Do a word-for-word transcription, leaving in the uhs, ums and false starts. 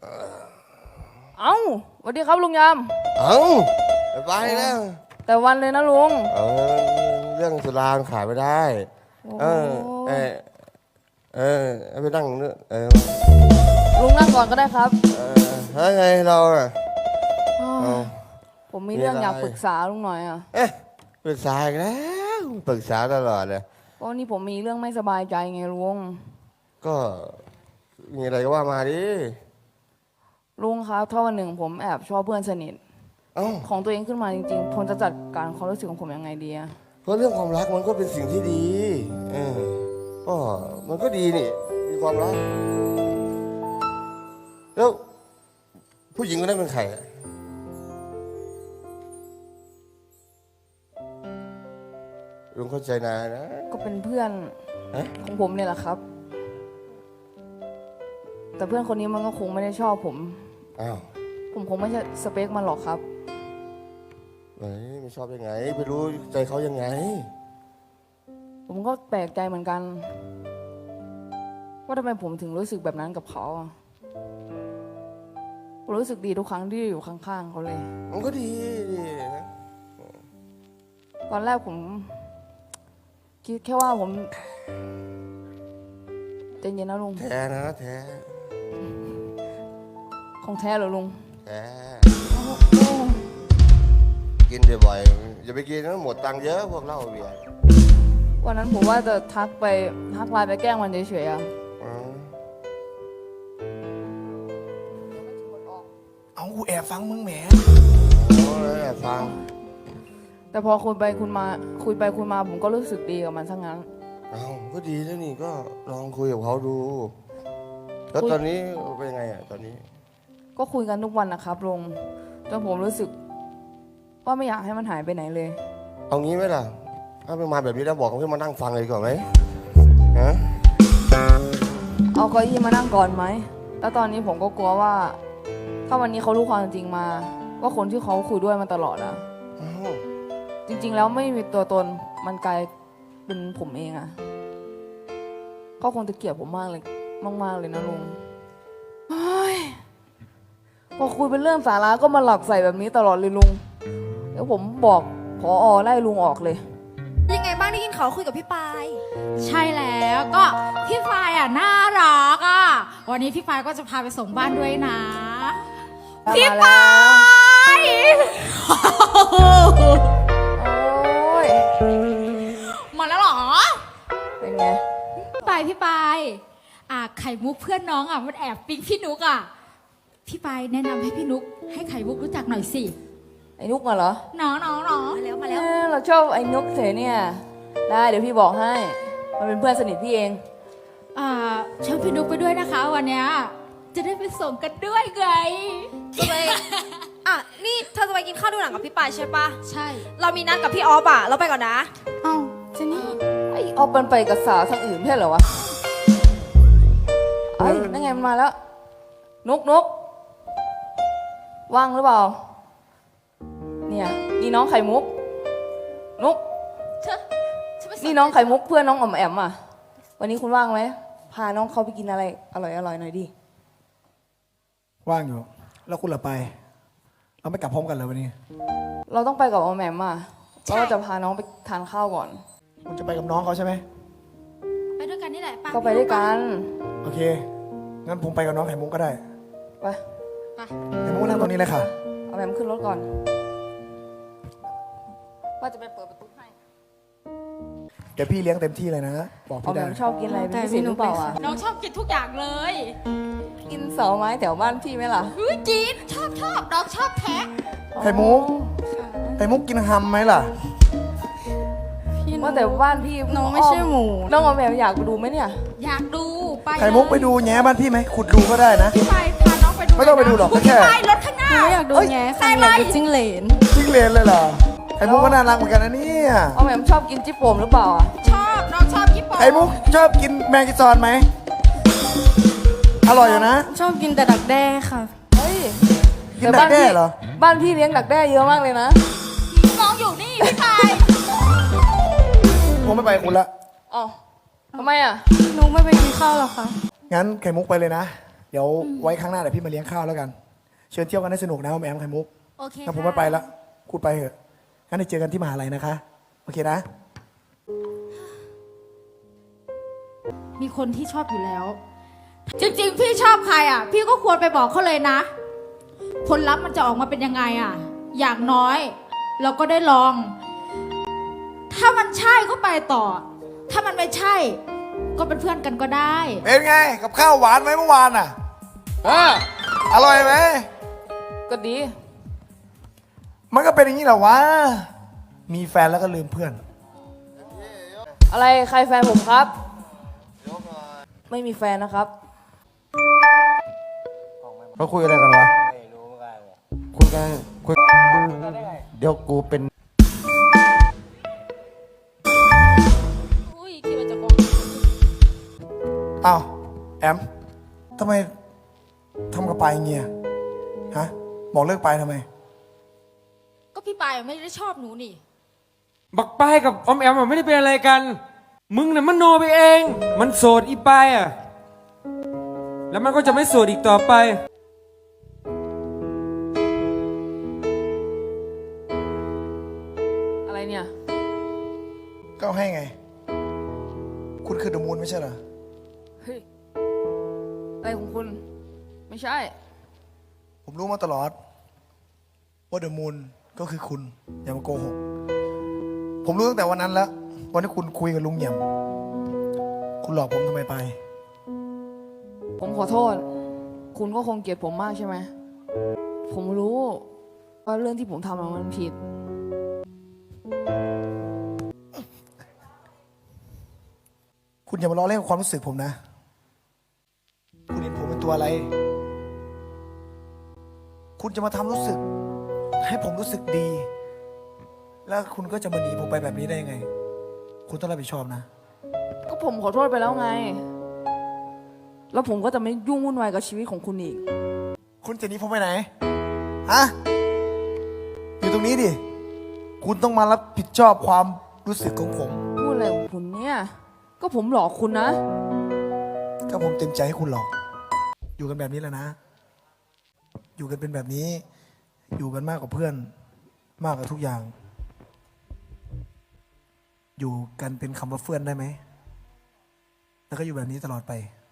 เอ้าสวัสดีครับลุงยามเอ้าไปแล้วแต่วันเลยนะลุงเออเรื่องสุราขายไม่ได้เออเออเออไปนั่งเนื้อเออลุงนั่งก่อนก็ได้ครับเออเฮ้ยไงเราอ่ะเอาผมมีเรื่องมีอะไรอยากปรึกษาลุงหน่อยอ่ะเอ๊ะปรึกษาอีกแล้วปรึกษาตลอดเลยก็นี่ผมมีเรื่องไม่สบายใจไงลุงก็มีอะไรก็ว่ามาดิลุงครับถ้าวันหนึ่งผมแอบชอบเพื่อนสนิทเอ้าของตัวเองขึ้นมาจริงๆผมจะจัดการความรู้สึกของผมยังไงดีอะเพราะเรื่องความรักมันก็เป็นสิ่งที่ดีเออก็มันก็ดีนี่มีความรักแล้วผู้หญิงคนนั้นเป็นใครอะลุงเข้าใจนายนะก็เป็นเพื่อนฮะของผมเนี่ยแหละครับ แต่เพื่อนคนนี้มันก็คงไม่ได้ชอบผมอ้าวผมคงไม่ใช่สเปคมันหรอกครับเฮ้ยไม่ชอบยังไงไปรู้ใจเขายังไงผมก็แปลกใจเหมือนกัน ว่าทำไมผมถึงรู้สึกแบบนั้นกับเขาอะผมรู้สึกดีทุกครั้งที่อยู่ข้างๆเขาเลยมันก็ดีดีนะตอนแรกผมคิดแค่ว่าผมใจเย็นนะลุงแท้นะแท้ของแท้เหรอลุงแท้โอ้โหกินบ่อยๆอย่าไปกินนะหมดตังค์เยอะพวกเหล้าเบียร์วันนั้นผมว่าจะทักไปทักไลน์ไปแกล้งมันเฉยๆอะอ๋อเอากูแอบฟังมึงแหมโอ้ยแอบฟังแต่พอคุยไปคุยมาคุยไปคุยมาผมก็รู้สึกดีกับมันซะงั้นเอ้าก็ดีแล้วนี่ก็ลองคุยกับเขาดู แล้วคุยตอนนี้เป็นยังไงอ่ะตอนนี้ก็คุยกันทุกวันนะครับลุงจนผมรู้สึก ว่าไม่อยากให้มันหายไปไหนเลยเอางี้ไหมล่ะ ถ้าเป็นมาแบบนี้แล้วบอกเขาให้มานั่งฟังเลยก่อนไหมฮะเอาเก้าอี้มานั่งก่อนไหมแล้วตอนนี้ผมก็กลัวว่า ถ้าวันนี้เขารู้ความจริงมา ว่าคนที่เขาคุยด้วยมาตลอดอะเอ้าจริง ๆ แล้วไม่มีตัวตนมันกลายเป็นผมเองอะก็คงจะเกลียดผมมากเลยมากๆเลยนะลุงเฮ้ยพอคุยเป็นเรื่องสาระก็มาหลักใส่แบบนี้ตลอดเลยลุงเดี๋ยวผมบอกผอไล่ลุงออกเลยยังไงบ้างได้ยินเขาคุยกับพี่ปายใช่แล้วก็พี่ฟายอ่ะน่ารักอ่ะวันนี้พี่ฟายก็จะพาไปส่งบ้านด้วยนะ พี่ปายโอ้ยมาแล้วเหรอเป็นไงพี่ปายพี่ปายอ่ะไข่มุกเพื่อนน้องอ่ะมันแอบปิ๊งพี่นุกอ่ะพี่ปายแนะนำให้พี่นุกให้ไข่มุกรู้จักหน่อยสิไอ้นุกมาเหรอน้องน้องน้องมาแล้วมาแล้วเอ้ยเราชอบไอ้นุกเฉยเนี่ยได้เดี๋ยวพี่บอกให้มันเป็นเพื่อนสนิทพี่เองอ่าเชิญพี่นุกไปด้วยนะคะวันเนี้ยจะได้ไปส่งกันด้วยไงจะไปอ่ะนี่เธอจะไปกินข้าวดูหนังกับพี่ปายใช่ปะใช่เรามีนัดกับพี่ออฟอ่ะเราไปก่อนนะเอ้าเจนี่ไอ้ออฟมันไปกับสาวทางอื่นไม่ใช่เหรอวะไอ้ยนั่นไงมันมาแล้วนุกนุกว่างหรือเปล่าเนี่ยนี่น้องไข่มุกนุกเชอะฉัไปส่นี่น้องไข่มุกเพื่อนน้องอ๋อมแอมอ่ะวันนี้คุณว่างไหมพาน้องเขาไปกินอะไรอร่อยอร่อยหน่อยดิว่างอยู่ แล้วคุณล่ะไป เราไม่กลับพร้อมกันเลยวันนี้เราต้องไปกับอ๋อมแอมอ่ะเราก็จะพาน้องไปทานข้าวก่อนคุณจะไปกับน้องเขาใช่ไหมไปด้วยกันนี่แหละไปก็ไปด้วยกันโอเค งั้นผมไปกับน้องไข่มุกก็ได้ไปไปไข่มุกนั่งตรงนี้เลยค่ะเอาแอมขึ้นรถก่อนว่าจะไปเปิดประตูให้เดี๋ยวพี่เลี้ยงเต็มที่เลยนะ บอกอ๋อพี่แอได้มชอบกินอะไรเป็นพิเศษหรือเปล่าอ่ะน้องชอบกินทุกอย่างเลยกินเสาไม้แถวบ้านพี่ไหมล่ะเฮ้ยจีนชอบชอบน้องชอบแท้ไข่มุก ไข่มุกกินฮัมไหมล่ะว่าแต่บ้านพี่น้องไม่ใช่หมูน้องอ๋อมแอมอยากไปดูไหมเนี่ยอยากดูไปไข่มุกไปดูแง้บ้านพี่ไหมขุดดูก็ได้นะพี่ไปพาน้องไปดูไม่ต้องไปดูหรอกคุณแค่พี่ไปรถข้างหน้าไม่อยากดูแง่ค่ะอยากดูจิ้งเหลนจิ้งเลนเลยเหรอ ไข่มุกก็น่ารักเหมือนกันนะเนี่ยอ๋อมแอมชอบกินจิ๊บโป่มหรือเปล่าอ่ะชอบน้องชอบญี่ปุ่นไข่มุกชอบกินแมงกิซอนไหม อร่อยอยู่นะชอบกินแต่ดักแด้ค่ะเฮ้ยกินดักแด้เหรอบ้านพี่เลี้ยงดักแด้เยอะมากเลยนะน้องอยู่นี่พี่ไปผมไม่ไปกับคุณละอ๋อทำไมอ่ะหนูไม่ไปกินข้าวหรอกค่ะงั้นไข่มุกไปเลยนะเดี๋ยวไว้ครั้งหน้าเดี๋ยวพี่มาเลี้ยงข้าวแล้วกัน เชิญเที่ยวกันให้สนุกนะออมแอมไข่มุกโอเคงั้นผมค่ะไม่ไปละคุณไปเถอะงั้นเดี๋ยวเจอกันที่มหาลัยนะคะ โอเคนะมีคนที่ชอบอยู่แล้ว จริงๆ พี่ชอบใครอ่ะ พี่ก็ควรไปบอกเขาเลยนะ ผลลัพธ์มันจะออกมาเป็นยังไงอ่ะ อย่างน้อย เราก็ได้ลอง ถ้ามันใช่ก็ไปต่อ ถ้ามันไม่ใช่ ก็เป็นเพื่อนกันก็ได้เป็นไงกับข้าวหวานไหมเมื่อวานอ่ะเอออร่อยไหมก็ดีมันก็เป็นอย่างนี้แหละวะ มีแฟนแล้วก็ลืมเพื่อนอะไรใครแฟนผมครับ ไม่มีแฟนนะครับเขาคุยอะไรกันวะไม่รู้เหมือนกันคุยกันคุยเดี๋ยวกูเป็นอุ้ยคิดว่าจะกองอ้าว แอมทำไมทำกับปายอย่างเงี้ยฮะบอกเลิกไปทำไมก็พี่ปายไม่ได้ชอบหนูนี่บักปายกับออมแอมอะไม่ได้เป็นอะไรกัน มึงน่ะมันโนไปเอง มันโสดอีปายอ่ะ แล้วมันก็จะไม่โสดอีกต่อไปอะไรเนี่ยก็ให้ไง คุณคือเดอะมูนไม่ใช่เหรอเฮ้ย อะไรของคุณ ไม่ใช่ผมรู้มาตลอดว่าเดอะมูนก็คือคุณ อย่ามาโกหก ผมรู้ตั้งแต่วันนั้นแล้ว วันที่คุณคุยกับลุงเหยี่ยม คุณหลอกผมทำไมไปผมขอโทษ คุณก็คงเกลียดผมมากใช่ไหม ผมรู้ว่าเรื่องที่ผมทำอะมันผิดคุณอย่ามาล้อเล่นกับความรู้สึกผมนะ คุณเห็นผมเป็นตัวอะไร คุณจะมาทำรู้สึก ให้ผมรู้สึกดี แล้วคุณก็จะมาหนีผมไปแบบนี้ได้ยังไง คุณต้องรับผิดชอบนะก็ผมขอโทษไปแล้วไง แล้วผมก็จะไม่ยุ่งวุ่นวายกับชีวิตของคุณอีกคุณจะหนีผมไปไหน ฮะ อยู่ตรงนี้ดิ คุณต้องมารับผิดชอบความรู้สึกของผมพูดอะไรของคุณเนี่ย ก็ผมหลอกคุณนะก็ผมเต็มใจให้คุณหรอก อยู่กันแบบนี้แหละนะ อยู่กันเป็นแบบนี้ อยู่กันมากกว่าเพื่อน มากกว่าทุกอย่าง อยู่กันเป็นคำว่าเพื่อนได้ไหม แล้วก็อยู่แบบนี้ตลอดไป